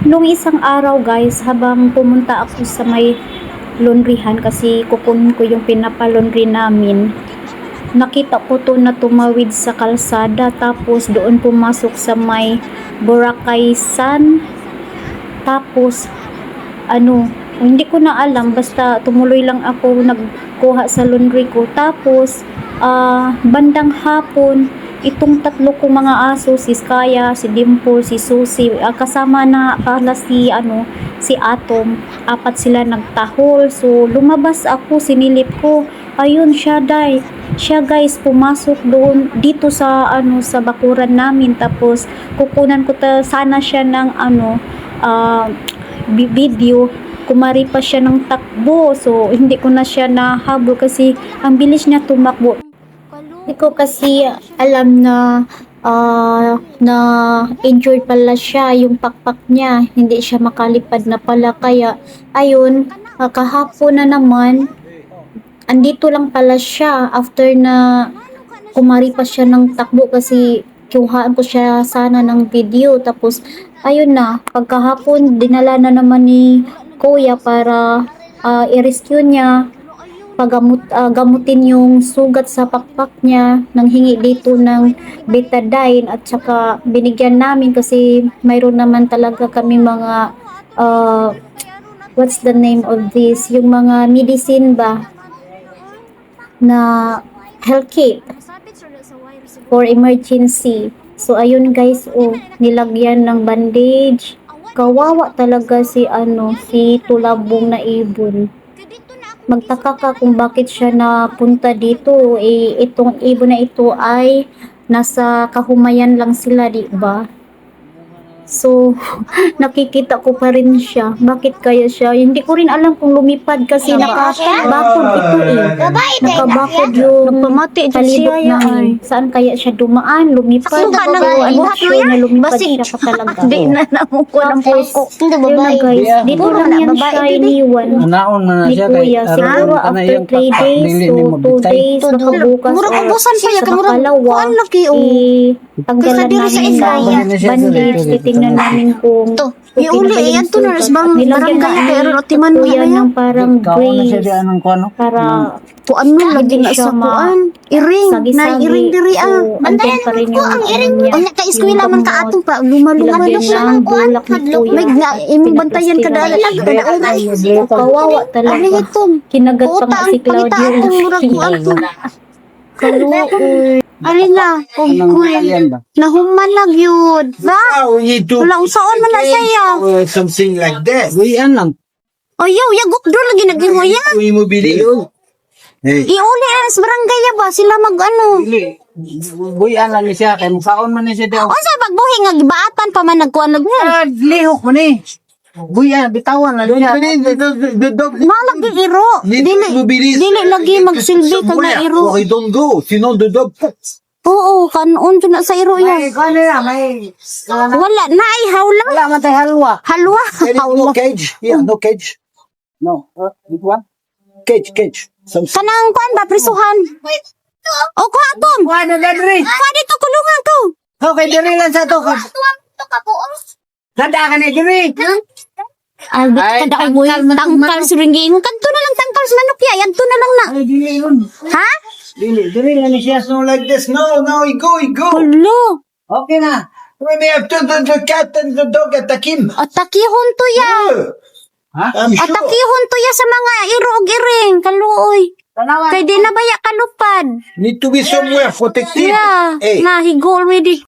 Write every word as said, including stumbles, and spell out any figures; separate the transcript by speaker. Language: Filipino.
Speaker 1: Nung isang araw guys, habang pumunta ako sa may laundryhan kasi kukunin ko yung pinapalaundry namin, nakita ko to na tumawid sa kalsada tapos doon pumasok sa may Boracay Sun. Tapos ano, hindi ko na alam, basta tumuloy lang ako nagkuha sa laundry ko. Tapos ah, bandang hapon, itong tatlo kong mga aso, si Skaya, si Dimple, si Susie, ah, kasama na pala si ano, si Atom, apat sila nagtahol. So lumabas ako, sinilip ko, ayun siya day siya guys, pumasok doon dito sa ano, sa bakuran namin. Tapos kukunan ko ta sana siya ng ano, ah, video, kumari pa siya ng takbo. So hindi ko na siya nahabol kasi ang bilis niya tumakbo. Hindi ko kasi alam na ah, na injured pala siya, yung pakpak niya, hindi siya makalipad na pala. Kaya ayun, ah, kahapon na naman andito lang pala siya after na kumari pa siya ng takbo kasi kuhaan ko siya sana ng video. Tapos ayun na, pagkahapon dinala na naman ni kuya para ah, i-rescue niya, pagamot, ah, gamutin yung sugat sa pakpak niya, nang hingi dito ng betadine. At saka binigyan namin kasi mayroon naman talaga kami mga ah, what's the name of this, yung mga medicine ba na health kit for emergency. So ayun guys, oh, nilagyan ng bandage. Kawawa talaga si ano, si tulabong na ibon. Magtaka ka kung bakit siya napunta dito. Eh, itong ibon na ito ay nasa kahumayan lang sila, di ba? So, nakikita ko pa rin siya. Bakit kaya siya? Hindi ko rin alam kung lumipad kasi nakabakod ito eh. Nakabakod yung palibot namin. Saan kaya siya dumaan? Lumipad.
Speaker 2: Asuka na nga,
Speaker 1: So, I'm not
Speaker 2: ibuhat mo
Speaker 1: sure
Speaker 2: yan.
Speaker 1: na lumipad
Speaker 2: Basig.
Speaker 1: siya pa talaga.
Speaker 2: Di na namuko ng
Speaker 1: Tapos,
Speaker 2: poko. Hindi
Speaker 1: yun na
Speaker 2: babae.
Speaker 1: guys, dito
Speaker 2: Puro
Speaker 1: lang
Speaker 2: na
Speaker 1: yan
Speaker 2: babae,
Speaker 1: siya
Speaker 2: didi.
Speaker 1: iniwan
Speaker 3: Naon man na
Speaker 1: ni
Speaker 3: siya kay
Speaker 1: kuya. Siguro
Speaker 3: aram ka na
Speaker 1: after
Speaker 3: yung
Speaker 1: three
Speaker 3: pakpak
Speaker 1: days,
Speaker 3: dili
Speaker 1: so
Speaker 3: ni
Speaker 1: two
Speaker 3: mabitay.
Speaker 1: days, bakabukas,
Speaker 2: Murag
Speaker 1: or
Speaker 2: ubusan pa ya,
Speaker 1: sa
Speaker 2: kamurag
Speaker 1: makalawa,
Speaker 2: kuan lagi, oh.
Speaker 1: eh, tanggalan
Speaker 2: Kaysa diri sa
Speaker 1: namin
Speaker 2: Israel.
Speaker 1: ng bandage, titingnan namin kung
Speaker 2: To,
Speaker 1: okay
Speaker 2: iuli,
Speaker 1: na ba yung
Speaker 2: yan to na,
Speaker 1: sugat.
Speaker 2: bang
Speaker 1: At nilagyan
Speaker 2: barangay,
Speaker 1: na
Speaker 2: kaya
Speaker 1: ni
Speaker 2: ron, otiman mo
Speaker 1: kuya
Speaker 2: na yan.
Speaker 1: ng parang
Speaker 3: Kaon na siya di
Speaker 1: brace
Speaker 3: anong kuano.
Speaker 1: para
Speaker 2: Kuan mo, lagi
Speaker 1: hindi
Speaker 2: na
Speaker 1: siya
Speaker 2: sa
Speaker 1: ma-
Speaker 2: kuan. Iring, na
Speaker 1: sagi-sagi.
Speaker 2: iring diri ah.
Speaker 1: So, andyan pa rin yung
Speaker 2: ang
Speaker 1: ano
Speaker 2: iring.
Speaker 1: niya,
Speaker 2: O nga, kay eskwela
Speaker 1: yung
Speaker 2: man ka
Speaker 1: gamot.
Speaker 2: atong pa, lumalungan
Speaker 1: Nilagyan
Speaker 2: siya
Speaker 1: ng
Speaker 2: ng kuan.
Speaker 1: bulak ni kuya.
Speaker 2: May nga, imong bantayan ka dahil lang, kada oras.
Speaker 1: Kawawa
Speaker 2: Abi
Speaker 1: talaga.
Speaker 2: ito.
Speaker 1: Kinagat pa
Speaker 2: Puta,
Speaker 1: nga si
Speaker 2: ang pangita
Speaker 1: Claudio.
Speaker 2: akong murag kuan to.
Speaker 1: Kaluoy.
Speaker 2: Alin na, kung
Speaker 3: Anong
Speaker 2: kuy,
Speaker 3: yan ba?
Speaker 2: nahuman lang yun. Ba?
Speaker 4: Now we need to
Speaker 2: Wala usaon man na saya.
Speaker 4: or something like that.
Speaker 3: Buyan lang.
Speaker 2: O yaw, yagok do lagi naghihoya.
Speaker 4: We mobility. Hey.
Speaker 2: Iuli na sa barangay ya ba? Sila mag ano.
Speaker 3: Dili. Buyan lang ni siya kay mukaon man ni siya daw.
Speaker 2: O sa pagbuhi nga gibaatan pa man nagkuan lagi.
Speaker 3: Ah, lihok man ni. Buyan bitawan lang
Speaker 4: Don't
Speaker 3: siya.
Speaker 4: believe the, the, the dog.
Speaker 2: Malagi iro.
Speaker 4: Need
Speaker 2: Dili
Speaker 4: to mobilize.
Speaker 2: dili lagi magsilbi ka na iro.
Speaker 4: Or I don't go. Sinon the dog.
Speaker 2: Oo, kanon dyan na sa iro
Speaker 3: May
Speaker 2: ya.
Speaker 3: kuan na may
Speaker 2: Wala na ay hawla.
Speaker 3: wala man tay halwa.
Speaker 2: Halwa.
Speaker 4: There is no
Speaker 2: Hawla.
Speaker 4: cage. Yeah, no cage.
Speaker 3: No. Uh, this one.
Speaker 4: Cage, cage. Some
Speaker 2: Kanang kuan ba prisuhan? O kuha tom.
Speaker 3: Kuan na diri.
Speaker 2: Kuha dito kulungan ko.
Speaker 3: Okay, diri lang sa to. Kada ka ni diri.
Speaker 2: Ay,
Speaker 3: Ay,
Speaker 2: kada mo
Speaker 3: tangkal man ang
Speaker 2: tangkal sa ringging. Kanto na lang tangkal sa manok ya. Yanto na lang na.
Speaker 3: Ay dili yun.
Speaker 2: Ha?
Speaker 3: Dili, diri lang ni siya.
Speaker 4: no like this. No, no, he go, he go.
Speaker 2: Hulo.
Speaker 3: Okay na.
Speaker 4: When they have to the, the cat and the dog attack him.
Speaker 2: Atakihon to ya.
Speaker 3: Ha?
Speaker 4: I'm sure.
Speaker 2: Atakihon to ya sa mga iro og iring. Kaluoy.
Speaker 3: Tanawan.
Speaker 2: Kay di na baya kalupad.
Speaker 4: Need to be somewhere protected.
Speaker 2: Yeah.
Speaker 4: Hey.
Speaker 2: Na, he go already.